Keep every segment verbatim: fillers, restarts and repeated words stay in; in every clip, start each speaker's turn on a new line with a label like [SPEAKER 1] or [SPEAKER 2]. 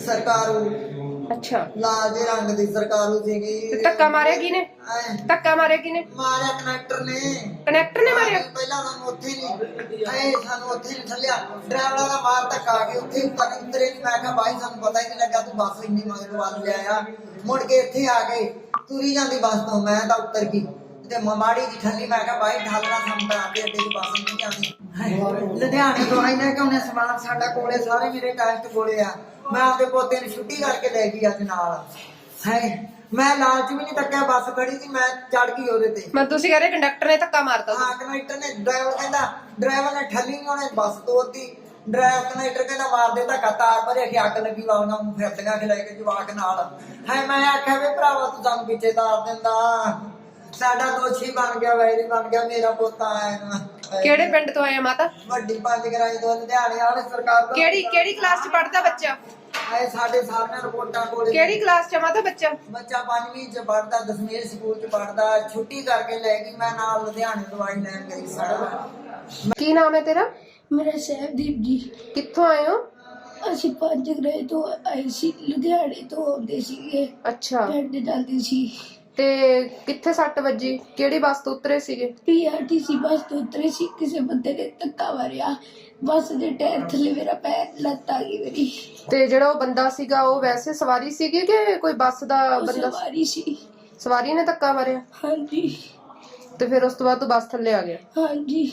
[SPEAKER 1] सरकारू
[SPEAKER 2] अच्छा
[SPEAKER 1] लाल जे रंग दी सरकारू सीगी
[SPEAKER 2] ते धक्का मारिया किने धक्का मारिया किने
[SPEAKER 1] मारिया कनेक्टर ने
[SPEAKER 2] कनेक्टर ने मारिया
[SPEAKER 1] पहला सानू उत्थे नहीं ऐ सानू उत्थे नहीं थल्लिया ड्राइवर दा मार धक्का आ के उत्थे उतर उतरे नहीं मैं कहा भाई सानू पता ही नहीं लगा तू बस इन्नी मगर वाल ले आया मुड़ के इत्थे आ गए तुरी जांदी बस तो मैं तां उतर गई ते माड़ी जी ठल्ली मैं कहा भाई ढालना सानू तां आगे अड्डे दी बस नहीं आंदी लुधियाने तो आईने कि उन्हें समान साडा कोले सारे मेरे टेस्ट कोले आ मैं आपके पोते ने छुट्टी करके ले गई अज नाल है मैं लालच भी नहीं तक्या बस खड़ी थी मैं चढ़ गई ओदे ते
[SPEAKER 2] मैं तुसी कह रहे कंडक्टर ने धक्का मारता
[SPEAKER 1] हां कंडक्टर ने ड्राइवर कहंदा ड्राइवर ने ठल्ली नहीं उन्हें बस तोड़ती ड्राइवर कंडक्टर कहंदा मार दे धक्का तार भरे कि अग लगी वा उन्हां ਨੂੰ ਫਿਰਦੀਆਂ ਖਿਲਾ ਕੇ ਜਵਾਕ ਨਾਲ ਹੈ ਮੈਂ ਆਖਿਆ ਵੇ ਭਰਾਵਾ ਤੂੰ ਸਾਨੂੰ ਪਿੱਛੇ ਤਾਰ ਦਿੰਦਾ ਸਾਡਾ ਦੋਸ਼ੀ ਬਣ ਗਿਆ ਵੈਰੀ ਬਣ ਗਿਆ ਮੇਰਾ ਪੋਤਾ ਆਇਆ ਨਾ
[SPEAKER 2] ਕਿਹੜੇ ਪਿੰਡ ਤੋਂ ਆਇਆ ਮਾਤਾ
[SPEAKER 1] ਵੱਡੀ ਪੰਜ ਗਰਾਈ ਤੋਂ ਲੁਧਿਆਣੇ ਵਾਲੇ ਸਰਕਾਰ ਦਾ
[SPEAKER 2] ਕਿਹੜੀ ਕਿਹੜੀ ਕਲਾਸ ਚ ਪੜਦਾ ਬੱਚਾ
[SPEAKER 1] ਆਏ ਸਾਡੇ ਸਾਹਮਣੇ ਰਿਪੋਰਟਾਂ ਕੋਲੇ
[SPEAKER 2] ਕਿਹੜੀ ਕਲਾਸ ਚ ਮਾਤਾ ਬੱਚਾ
[SPEAKER 1] ਬੱਚਾ ਪੰਜਵੀਂ ਚ ਪੜਦਾ ਦਸਵੀਂ ਸਕੂਲ ਚ ਪੜਦਾ ਛੁੱਟੀ ਕਰਕੇ ਲੈ ਗਈ ਮੈਂ ਨਾਲ ਲੁਧਿਆਣੇ ਦਵਾਈ ਲੈਣ ਗਈ ਸਾਡਾ
[SPEAKER 2] ਕੀ ਨਾਮ ਹੈ ਤੇਰਾ
[SPEAKER 3] मेरा सहबदीप जी
[SPEAKER 2] ਕਿੱਥੋਂ ਆਏ ਹੋ
[SPEAKER 3] ਅਸੀਂ ਪੰਜ ਗ੍ਰਹਿ ਤੋਂ ਆਏ ਸੀ ਲੁਧਿਆਣੇ ਤੋਂ ਆਉਂਦੇ ਸੀਗੇ
[SPEAKER 2] ਅੱਛਾ
[SPEAKER 3] ਪਿੰਡ ਜਾਂਦੇ ਸੀ
[SPEAKER 2] ਤੇ ਕਿੱਥੇ ਸੱਟ ਵੱਜੀ ਕਿਹੜੀ ਬੱਸ ਤੋਂ ਉਤਰੇ ਸੀਗੇ
[SPEAKER 3] ਪੀਆਰਟੀਸੀ ਬੱਸ ਤੋਂ ਉਤਰੇ ਸੀ ਕਿਸੇ ਬੰਦੇ ਨੇ ਧੱਕਾ ਮਾਰਿਆ ਬੱਸ ਦੇ ਟਾਇਰ ਥੱਲੇ ਮੇਰਾ ਪੈਰ ਲੱਤ ਆ ਗਈ ਮੇਰੀ
[SPEAKER 2] ਤੇ ਜਿਹੜਾ ਉਹ ਬੰਦਾ ਸੀਗਾ ਉਹ ਵੈਸੇ ਸਵਾਰੀ ਸੀਗੀ ਕਿ ਕੋਈ ਬੱਸ ਦਾ
[SPEAKER 3] ਉਹ
[SPEAKER 2] ਬੰਦਾ
[SPEAKER 3] ਸਵਾਰੀ ਸੀ
[SPEAKER 2] ਸਵਾਰੀ ਨੇ ਧੱਕਾ ਮਾਰਿਆ
[SPEAKER 3] ਹਾਂਜੀ
[SPEAKER 2] ਤੇ ਫਿਰ ਉਸ ਤੋਂ ਬਾਅਦ ਤੂੰ ਬੱਸ ਥੱਲੇ ਆ ਗਿਆ
[SPEAKER 3] ਹਾਂਜੀ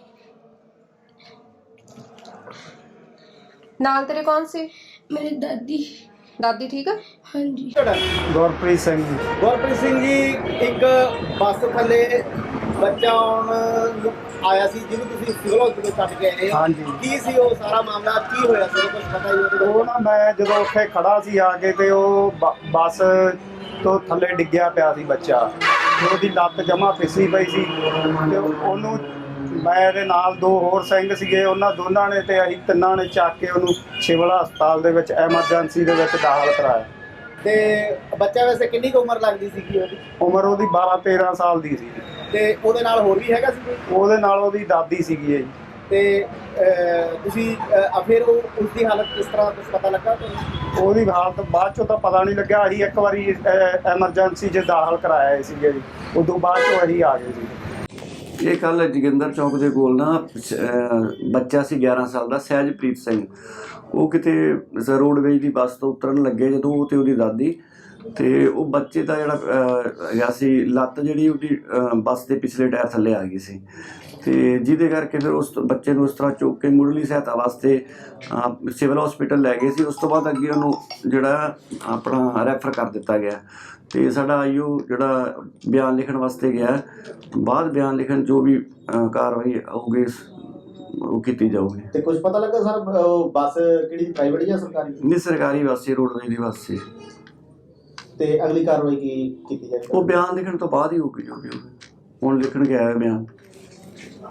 [SPEAKER 2] ਨਾਲ ਤੇਰੇ ਕੌਣ ਸੀ
[SPEAKER 3] ਮੇਰੇ ਦਾਦੀ
[SPEAKER 2] ਦਾਦੀ ਠੀਕ ਆ
[SPEAKER 3] ਹਾਂਜੀ
[SPEAKER 4] ਗੁਰਪ੍ਰੀਤ ਸਿੰਘ ਜੀ
[SPEAKER 5] ਗੁਰਪ੍ਰੀਤ ਸਿੰਘ ਜੀ ਇੱਕ ਬੱਸ ਥੱਲੇ ਬੱਚਾ ਆਉਣ ਨੂੰ ਆਇਆ ਸੀ ਜਿਹਨੂੰ ਤੁਸੀਂ ਸਿਵਲ ਹਸਪੀਟਲ ਛੱਡ ਕੇ ਆਏ
[SPEAKER 4] ਹਾਂਜੀ।
[SPEAKER 5] ਕੀ ਸੀ ਉਹ ਸਾਰਾ ਮਾਮਲਾ ਕੀ ਹੋਇਆ ਸੀ ਕੁਝ ਪਤਾ ਹੀ ਉਹਦੇ
[SPEAKER 4] ਉਹ ਨਾ ਮੈਂ ਜਦੋਂ ਉੱਥੇ ਖੜਾ ਸੀ ਆ ਕੇ ਤੇ ਉਹ ਬ- ਬੱਸ ਤੋਂ ਥੱਲੇ ਡਿੱਗਿਆ ਪਿਆ ਸੀ ਬੱਚਾ ਤੇ ਉਹਦੀ ਲੱਤ ਜਮਾ ਫਿਸੀ ਪਈ ਸੀ ਤੇ ਉਹਨੂੰ ਮੇਰੇ ਨਾਲ ਦੋ ਹੋਰ ਸਿੰਘ ਸੀਗੇ ਉਹਨਾਂ ਦੋਨਾਂ ਨੇ ਤੇ ਅਸੀਂ ਤਿੰਨਾਂ ਨੇ ਚੱਕ ਕੇ ਉਹਨੂੰ ਸਿਵਲ ਹਸਪਤਾਲ ਦੇ ਵਿੱਚ ਐਮਰਜੈਂਸੀ ਦੇ ਵਿੱਚ ਦਾਖਲ ਕਰਾਇਆ।
[SPEAKER 5] ਤੇ ਬੱਚਾ ਵੈਸੇ ਕਿੰਨੀ ਕੁ ਉਮਰ ਲੱਗਦੀ ਸੀਗੀ ਉਹਦੀ
[SPEAKER 4] ਉਮਰ ਉਹਦੀ ਬਾਰਾਂ ਤੇਰਾਂ ਸਾਲ ਦੀ ਸੀ
[SPEAKER 5] ਤੇ ਉਹਦੇ ਨਾਲ ਹੋਰ ਵੀ ਹੈਗਾ ਸੀ ਕੋਈ?
[SPEAKER 4] ਉਹਦੇ ਨਾਲ ਉਹਦੀ ਦਾਦੀ ਸੀਗੀ ਜੀ।
[SPEAKER 5] ਤੇ ਅਹ, ਤੁਸੀਂ ਅਹ, ਫਿਰ ਉਹ ਉਸਦੀ ਹਾਲਤ ਕਿਸ ਤਰ੍ਹਾਂ ਕੁਛ ਪਤਾ ਲੱਗਾ ਤੁਹਾਨੂੰ?
[SPEAKER 4] ਉਹਦੀ ਹਾਲਤ ਬਾਅਦ ਚੋਂ ਤਾਂ ਪਤਾ ਨਹੀਂ ਲੱਗਿਆ। ਅਸੀਂ ਇੱਕ ਵਾਰੀ ਐਮਰਜੈਂਸੀ 'ਚ ਦਾਖਲ ਕਰਾਇਆ ਸੀਗੇ ਜੀ, ਉਦੋਂ ਬਾਅਦ ਚੋਂ ਅਸੀਂ ਆ ਗਏ ਸੀ।
[SPEAKER 6] ਇਹ ਕੱਲ੍ਹ ਜੋਗਿੰਦਰ ਚੌਕ ਦੇ ਕੋਲ ਨਾ ਅਹ ਬੱਚਾ ਸੀ ਗਿਆਰਾਂ ਸਾਲ ਦਾ ਸਹਿਜਪ੍ਰੀਤ ਸਿੰਘ। ਉਹ ਕਿਤੇ ਰੋਡਵੇਜ ਦੀ ਬੱਸ ਤੋਂ ਉਤਰਨ ਲੱਗੇ ਜਦੋਂ ਉਹ ਤੇ ਉਹਦੀ ਦਾਦੀ ਤੇ ਉਹ ਬੱਚੇ ਦਾ ਜਿਹੜਾ ਹੈਗਾ ਸੀ ਲੱਤ ਜਿਹੜੀ ਉਹਦੀ ਅਹ ਬੱਸ ਦੇ ਪਿਛਲੇ ਟਾਇਰ ਥੱਲੇ ਆ ਗਈ ਸੀ ਤੇ ਜਿਹਦੇ ਕਰਕੇ ਫਿਰ ਉਸ ਬੱਚੇ ਨੂੰ ਉਸ ਤਰ੍ਹਾਂ ਚੁੱਕ ਕੇ ਮੁੱਢਲੀ ਸਹਾਇਤਾ ਵਾਸਤੇ ਅਹ ਸਿਵਲ ਹਸਪੀਟਲ ਲੈ ਗਏ ਸੀ। ਉਸ ਤੋਂ ਬਾਅਦ ਅੱਗੇ ਉਹਨੂੰ ਜਿਹੜਾ ਆਪਣਾ ਰੈਫਰ ਕਰ ਦਿੱਤਾ ਗਿਆ ਤੇ ਸਾਡਾ ਆਈਓ ਜਿਹੜਾ ਬਿਆਨ ਲਿਖਣ ਵਾਸਤੇ ਗਿਆ, ਬਾਅਦ ਬਿਆਨ ਲਿਖਣ ਜੋ ਵੀ ਕਾਰਵਾਈ ਹੋਊਗੀ ਉਹ ਕੀਤੀ ਜਾਊਗੀ।
[SPEAKER 5] ਤੇ ਕੁਝ ਪਤਾ ਲੱਗਾ ਸਰ ਬੱਸ ਕਿਹੜੀ ਪ੍ਰਾਈਵੇਟ ਜਾਂ ਸਰਕਾਰੀ?
[SPEAKER 6] ਨਹੀਂ, ਸਰਕਾਰੀ ਬੱਸ ਸੀ, ਰੋਡਵੇਜ਼ ਦੀ ਬੱਸ ਸੀ।
[SPEAKER 5] ਤੇ ਅਗਲੀ ਕਾਰਵਾਈ ਕੀ ਕੀਤੀ ਜਾਏਗੀ?
[SPEAKER 6] ਉਹ ਬਿਆਨ ਲਿਖਣ ਤੋਂ ਬਾਅਦ ਹੀ ਹੋਊਗੀ ਜੋ ਵੀ ਹੋਊਗੀ। ਹੁਣ ਲਿਖਣ ਗਿਆ ਹੈ ਬਿਆਨ।